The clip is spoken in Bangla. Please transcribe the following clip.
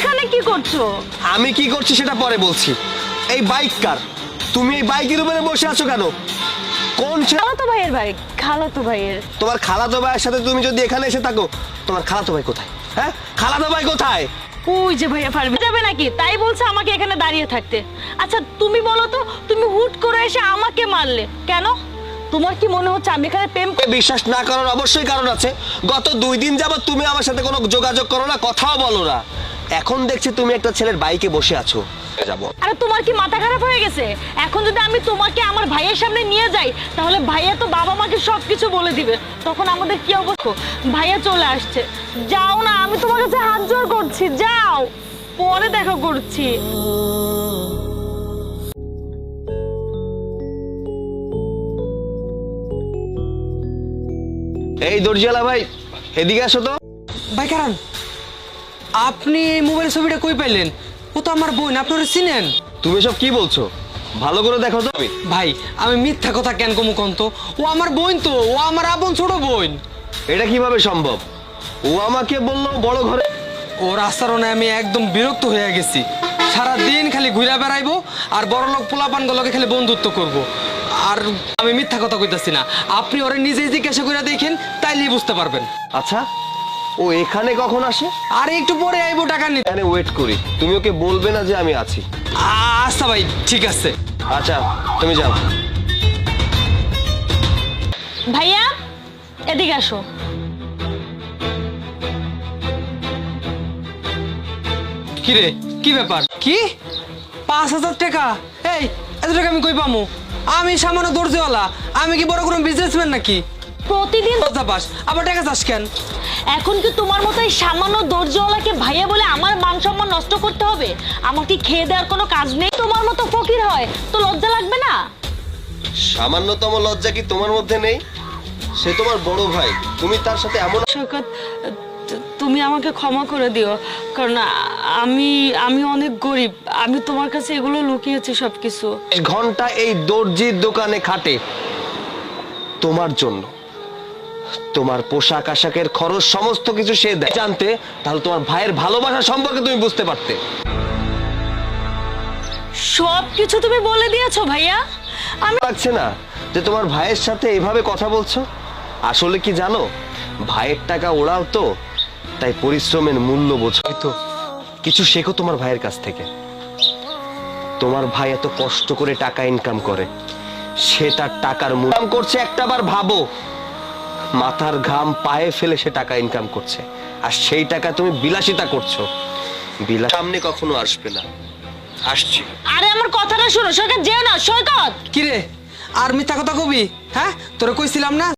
এখানে কি করছো? আমি কি করছি সেটা পরে বলছি। এই বাইক কার? তুমি এই বাইকের উপরে বসে আছো কেন? কোন খালাতো ভাইয়ের বাইক। খালাতো ভাইয়ের। তোমার খালাতো ভাইয়ের সাথে তুমি যদি এখানে এসে থাকো, তোমার খালাতো ভাই কোথায়? হ্যাঁ, খালাতো ভাই কোথায়? ওই যে ভাইয়া পারবে যাবে নাকি, তাই বলছে আমাকে এখানে দাঁড়িয়ে থাকতে। আচ্ছা তুমি বলো তো, তুমি হুট করে এসে আমাকে মারলে কেন? তোমার কি মনে হচ্ছে আমি এখানে প্রেম বিশ্বাস না করার অবশ্যই কারণ আছে। গত 2 দিন যাবত তুমি আমার সাথে কোনো যোগাযোগ করো না, কথাও বলো না। এখন দেখছি তুমি একটা ছেলের বাইকে বসে আছো। যাবো। আরে তোমার কি মাথা খারাপ হয়ে গেছে? এখন যদি আমি তোমাকে আমার ভাইয়ের সামনে নিয়ে যাই, তাহলে ভাইয়া তো বাবা মাকে সবকিছু বলে দিবে। তখন আমাদের কি অবস্থা? ভাইয়া চলে আসছে। যাও না, আমি তোমার কাছে হাত জোড় করছি, যাও, পরে দেখা করছি। এই দর্জিয়ালা ভাই, এদিকে আসো তো। ভাই কারণ আপনি এই মোবাইলের ছবিটা কই পাইলেন? ও তো আমার বোন, আপনারা চিনেন? তুমি সব কি বলছো? ভালো করে দেখো তো। ভাই আমি মিথ্যা কথা কেন কমু কন্ত? ও আমার বোন তো, ও আমার আপন ছোট বোন। এটা কিভাবে সম্ভব? ও আমাকে বললো বড় ঘরে। ওর আচরণে আমি একদম বিরক্ত হয়ে গেছি। সারা দিন খালি ঘুরে বেড়াইবো আর বড় লোক পোলাপানগুলোকে খালি বন্ধুত্ব করব। আর আমি মিথ্যা কথা কইতাছি না, আপনি ওরে নিজেই জিজ্ঞাসা করে দেখেন, তাইলেই বুঝতে পারবেন। আচ্ছা, ও এখানে কখন আসে? আর একটু পরে আইবো টাকা নিতে। এখানে ওয়েট করি, তুমি ওকে বলবে না যে আমি আছি। আচ্ছা ভাই, ঠিক আছে। আচ্ছা, তুমি যাও। ভাইয়া এদিকে আসো। কি রে, কি ব্যাপার? কি 5,000 টাকা? এই এত টাকা আমি কই পামু? আমি সামান্য দর্জিওয়ালা, আমি কি বড় কোনো বিজনেসম্যান নাকি? প্রতিদিন কথা পাস আবার টাকা চাস কেন? এখন কি তোমার মতো এই সামান্য দর্জিওয়ালাকে ভাইয়া বলে আমার মান সম্মান নষ্ট করতে হবে? আমার কি খেয়ে দেওয়ার কোনো কাজ নেই? তোমার মতো ফকির হয় তো লজ্জা লাগবে না? সামান্যতম লজ্জা কি তোমার মধ্যে নেই? সে তোমার বড় ভাই, তুমি তার সাথে এমন। শওকত, তুমি আমাকে ক্ষমা করে দিও, কারণ আমি অনেক গরিব। আমি তোমার কাছে এগুলো লুকিয়েছি সবকিছু। ঘন্টা এই দর্জির দোকানে খাটে তোমার জন্য। তোমার পোশাক আশাকের খরচ সমস্ত কিছু সে দেয়। জানতে তাহলে তোমার ভাইয়ের ভালোবাসা সম্পর্কে তুমি বুঝতে পারতে। সবকিছু তুমি বলে দিয়েছো ভাইয়া। আমি লাগছে না যে তোমার ভাইয়ের সাথে এভাবে কথা বলছো? আসলে কি জানো, ভাইয়ের টাকা ওড়াও তো, তাই পরিশ্রমের মূল্য বোঝো। তো কিছু শেখো তোমার ভাইয়ের কাছ থেকে। তোমার ভাই এত কষ্ট করে টাকা ইনকাম করে, সে তার টাকার মূল্য করছে। একটাবার ভাবো, মাথার ঘাম পায়ে ফেলে সে টাকা ইনকাম করছে, আর সেই টাকা তুমি বিলাসিতা করছো। সামনে কখনো আসবে না। আসছি। আরে আমার কথাটা শোনো সৈকত, যেও না সৈকত। কি রে, আর মিথ্যা কথা কবি? হ্যাঁ, তোরে কইছিলাম না